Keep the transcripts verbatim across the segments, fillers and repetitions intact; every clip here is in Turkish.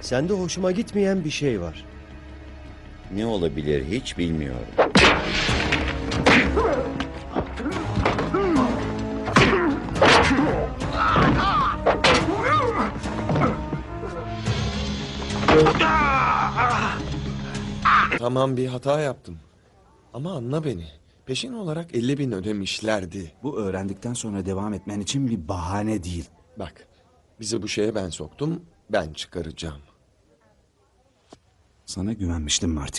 Sende hoşuma gitmeyen bir şey var. Ne olabilir hiç bilmiyorum. Tamam, bir hata yaptım. Ama anla beni. Peşin olarak elli bin ödemişlerdi. Bu öğrendikten sonra devam etmen için bir bahane değil. Bak, bizi bu şeye ben soktum, ben çıkaracağım. Sana güvenmiştim Marty.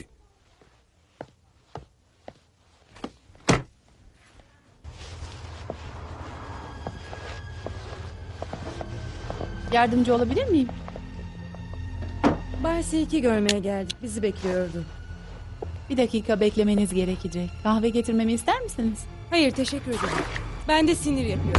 Yardımcı olabilir miyim? Bay Silk'i görmeye geldik. Bizi bekliyordu. Bir dakika beklemeniz gerekecek. Kahve getirmemi ister misiniz? Hayır, teşekkür ederim. Ben de sinir yapıyorum.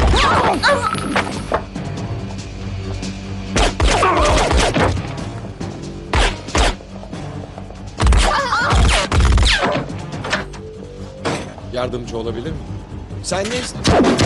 Yardımcı olabilir miyim? Sen ne ist-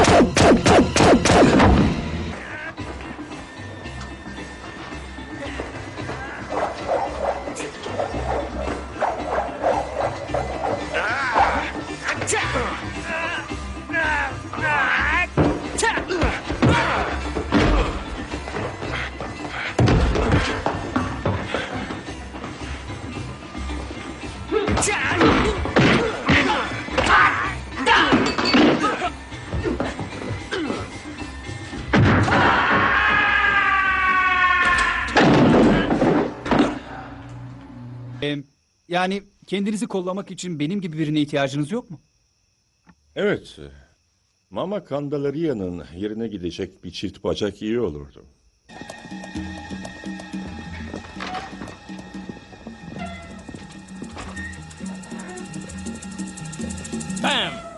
Ee, yani kendinizi kollamak için benim gibi birine ihtiyacınız yok mu? Evet. Mama Candelaria'nın yerine gidecek bir çift bacak iyi olurdu. Bam!